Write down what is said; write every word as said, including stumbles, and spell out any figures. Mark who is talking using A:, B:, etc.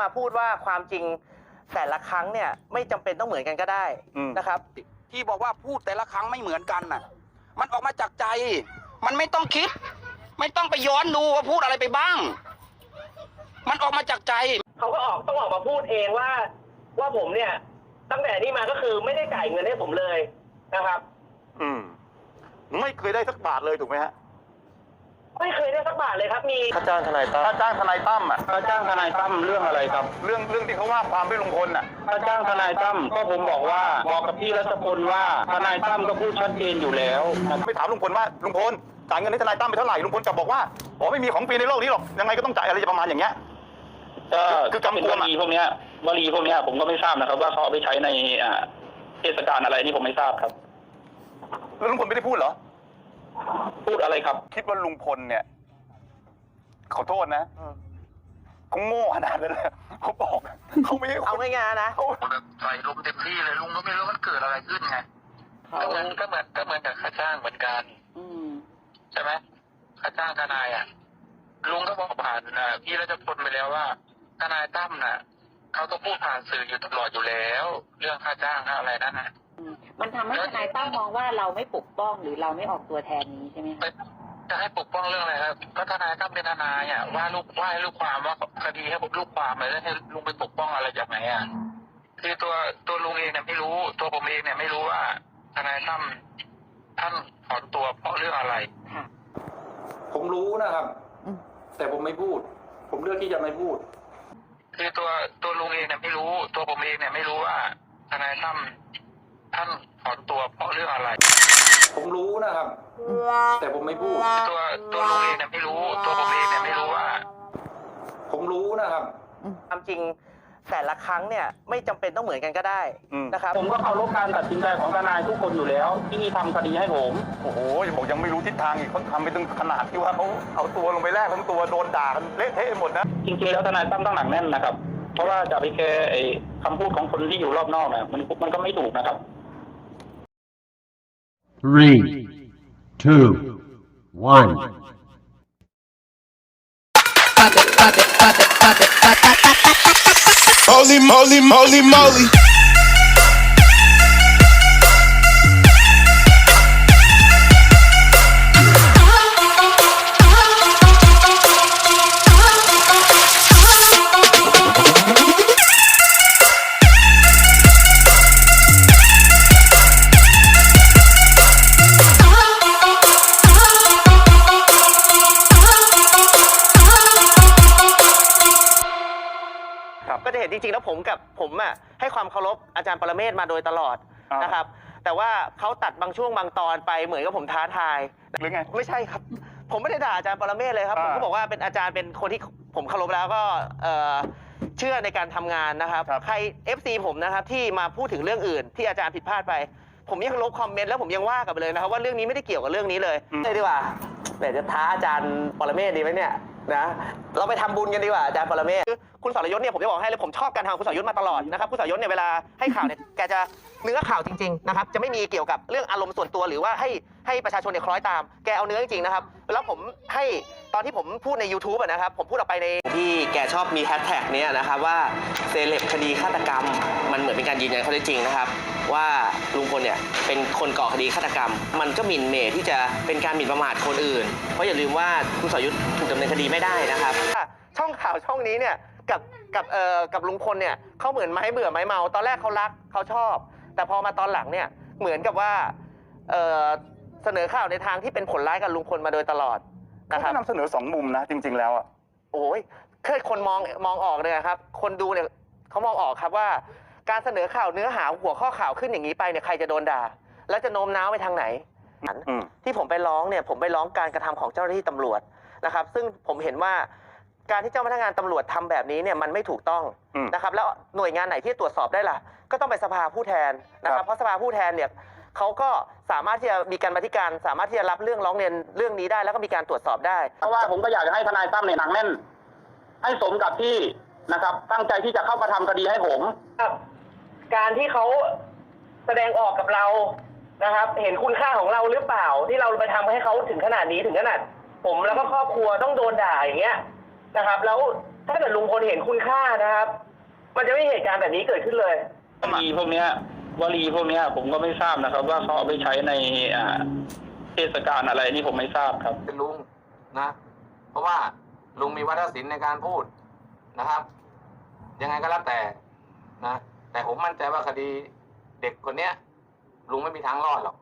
A: พูดว่าความจริงแต่ละครั้งเนี่ยไม่จำเป็นต้องเหมือนกันก็ได้นะครับ
B: ที่บอกว่าพูดแต่ละครั้งไม่เหมือนกันน่ะมันออกมาจากใจมันไม่ต้องคิดไม่ต้องไปย้อนดูว่าพูดอะไรไปบ้างมันออกมาจากใจ
A: เขาก็ออกต้องออกมาพูดเองว่าว่าผมเนี่ยตั้งแต่นี้มาก็คือไม่ได้จ่ายเงินให้ผมเลยนะครับ
C: อืมไม่เคยได้สักบาทเลยถูกไหมฮะ
A: ไม่เคยได้สักบาทเลยครับมี
C: ค่าจ้างทนายตั้มค่าจ้างทนายตั้มอ่ะ
B: ค่าจ้างทนายตั้มเรื่องอะไรครับ
C: เรื่องเรื่องที่เขาว่าความไม่ลุงพลอ่ะ
B: ค่าจ้างทนายตั้มก็ผมบอกว่าบอกกับพี่รัชพลว่าทนายตั้มก็พูดชัดเจนอยู่แล้ว
C: ไปถามลุงพลว่าลุงพลจ่ายเงินให้ทนายตั้มไปเท่าไหร่ลุงพลกลับบอกว่าอ๋อไม่มีของฟรีในโลกนี้หรอกยังไงก็ต้องจ่ายอะไรประมาณอย่างเงี้ย
B: ก็คือกำกวมวลีพวกนี้วลีพวกนี้ผมก็ไม่ทราบนะครับว่าเขาเอาไปใช้ในเทศกาลอะไรนี่ผมไม่ทราบครับ
C: แล้วลุงพลไม่ได้พูดเหรอ
B: พูดอะไรครับ
C: คิดว่าลุงพลเนี่ยขอโทษนะเขาโง่ขนาดนั้นเลยเขาบอกเขาไม่
A: เอาง่ายๆนะ
D: เขาแบบใส่ลมเต็มที่เลยลุงก็ไม่รู้มันเกิดอะไรขึ้นไงก็เหมือนก็เหมือนก็เหมือนกับค่าจ้างเหมือนกันใช่ไหมค่าจ้างทนายอ่ะลุงก็บอกผ่านพี่รัชพลไปแล้วว่าทนายตั้มน่ะเขาก็พูดผ่านสื่ออยู่ตลอดอยู่แล้วเรื่องค่าจ้างอะไรนั่นนะ
E: มันทำให้ทนายตั้มมองว่าเราไม่ปกป้องหรือเราไม่ออกตัวแทนนี้ใช่ไหม
D: จะให้ปกป้องเรื่องอะไรครับก็ทนายตั้มเป็นทนายอ่ะว่าลูกว่าให้ลูกความว่าคดีให้ลูกความเลยแล้วให้ลุงไปปกป้องอะไรจากไหนอ่ะคือตัวตัวลุงเองเนี่ยไม่รู้ตัวผมเองเนี่ยไม่รู้ว่าทนายตั้มท่านถอนตัวเพราะเรื่องอะไร
B: ผมรู้นะครับแต่ผมไม่พูดผมเลือกที่จะไม่พูด
D: คือตัวตัวลุงเองเนี่ยไม่รู้ตัวผมเองเนี่ยไม่รู้ว่าทนายตั้มท่านถอนตัวเพราะเรื่องอะไร
B: ผมรู้นะครับแต่ผมไม่พูด
D: ตัวตัวลุงเองเนี่ยไม่รู้ตัวผมเองเนี่ยไม่รู้ว่า
B: ผมรู้นะครับ
A: ความจริงแต่ละครั้งเนี่ยไม่จำเป็นต้องเหมือนกันก็ได้นะครับ
B: ผมก็เคารพการตัดสินใจของทนายทุกคนอยู่แล้วที่ทำคดีให้ผม
C: โอ้โหบอกยังไม่รู้ทิศทางอีกเขาทำไปถึงขนาดที่ว่าเขาเอาตัวลงไปแลกทั้งตัวโดนด่ากันเละเทะหมดนะ
B: จริงๆแล้วทนายตั้มต้องหนักแน่นนะครับเพราะว่าจะไปแคร์ไอ้คำพูดของคนที่อยู่รอบนอกนะมันมันก็ไม่ถูกนะครับ
F: three two one
G: Holy moly, moly, moly.
A: ก็จะเห็นจริงๆแล้วผมกับผมอ่ะให้ความเคารพอาจารย์ปรเมศมาโดยตลอดนะครับแต่ว่าเขาตัดบางช่วงบางตอนไปเหมือนกับผมท้าทาย
C: หรือไง
A: ไม่ใช่ครับผมไม่ได้ด่าอาจารย์ปรเมศเลยครับผมก็บอกว่าเป็นอาจารย์เป็นคนที่ผมเคารพแล้วก็เชื่อในการทำงานนะครับใคร เอฟ ซี ผมนะครับที่มาพูดถึงเรื่องอื่นที่อาจารย์ผิดพลาดไปผมยังลบคอมเมนต์แล้วผมยังว่ากลับไปเลยนะครับว่าเรื่องนี้ไม่ได้เกี่ยวกับเรื่องนี้เลยเลยดีกว่าเดี๋ยวจะท้าอาจารย์ปรเมศดีไหมเนี่ยนะเราไปทำบุญกันดีกว่าอาจารย์ปรเมศคุณสรยุทธเนี่ยผมจะบอกให้เลยผมชอบการทำคุณสรยุทธมาตลอดนะครับคุณสรยุทธเนี่ยเวลาให้ข่าวเนี่ยแกจะเนื้อข่าวจริงๆนะครับจะไม่มีเกี่ยวกับเรื่องอารมณ์ส่วนตัวหรือว่าให้ให้ประชาชนเนี่ยคล้อยตามแกเอาเนื้อจริงๆนะครับแล้วผมให้ตอนที่ผมพูดใน ยูทูบ อ่ะนะครับผมพูดออกไปในที่แกชอบมีแฮชแท็กเนี่ยนะครับว่าเซเลบคดีฆาตกรรมมันเหมือนเป็นการยืนยันข้อเท็จจริงนะครับว่าลุงพลเนี่ยเป็นคนก่อคดีฆาตกรรมมันก็หมิ่นเหม่ที่จะเป็นการหมิ่นประมาทคนอื่นเพราะอย่าลืมว่าคุณสรยุทธถูกดำเนินคดีไม่ได้นะครับช่องข่าวช่องนี้เนี่ยกับกับเอ่อกับลุงพลเนี่ยเขาเหมือนไม้เบื่อไม้เมาตอนแรกเขารักเขาชอบแต่พอมาตอนหลังเนี่ยเหมือนกับว่าเอ่อเสนอข่าวในทางที่เป็นผลร้ายกับลุงพลมาโดยตลอดนะครับ
C: นำเสนอสองมุมนะจริงๆแล้วอ่ะ
A: โอ้ยเคยคนมองมองออกเลยครับคนดูเนี่ยเขามองออกครับว่าการเสนอข่าวเนื้อหาหัวข้อข่าวขึ้นอย่างนี้ไปเนี่ยใครจะโดนด่าแล้วจะโน้มน้าวไปทางไหนที่ผมไปร้องเนี่ยผมไปร้องการกระทำของเจ้าหน้าที่ตำรวจนะครับซึ่งผมเห็นว่าการที่เจ้าพนักงานตำรวจทำแบบนี้เนี่ยมันไม่ถูกต้องนะครับแล้วหน่วยงานไหนที่ตรวจสอบได้ล่ะก็ต้องไปสภาผู้แทนนะครับเพราะสภาผู้แทนเนี่ยเขาก็สามารถที่จะมีการบันทึกการสามารถที่จะรับเรื่องร้องเรียนเรื่องนี้ได้แล้วก็มีการตรวจสอบได้
B: เพราะว่าผมก็อยากจะให้ทนายตั้มเนี่ยหนักแน่นให้สมกับที่นะครับตั้งใจที่จะเข้ามาทำคดีให้ผม
A: การที่เขาแสดงออกกับเรานะครับเห็นคุณค่าของเราหรือเปล่าที่เราไปทำให้เขาถึงขนาดนี้ถึงขนาดผมแล้วก็ครอบครัวต้องโดนด่าอย่างเงี้ยนะครับแล้วถ้าเกิดลุงพลเห็นคุณค่านะครับ มันจะไม่มีเหตุการณ์แบบนี้เกิดขึ้นเลยว
D: ลีพวกเนี้ยวลีพวกเนี้ยผมก็ไม่ทราบนะครับ ว่าเขาเอาไปใช้ในอ่าเทศกาลอะไรนี่ผมไม่ทราบครับ
H: เป็นลุงนะ เพราะว่าลุงมีวัฒนศิลป์ในการพูดนะครับ ยังไงก็แล้วแต่นะ แต่ผมมั่นใจว่าคดีเด็กคนเนี้ยลุงไม่มีทางรอดหรอก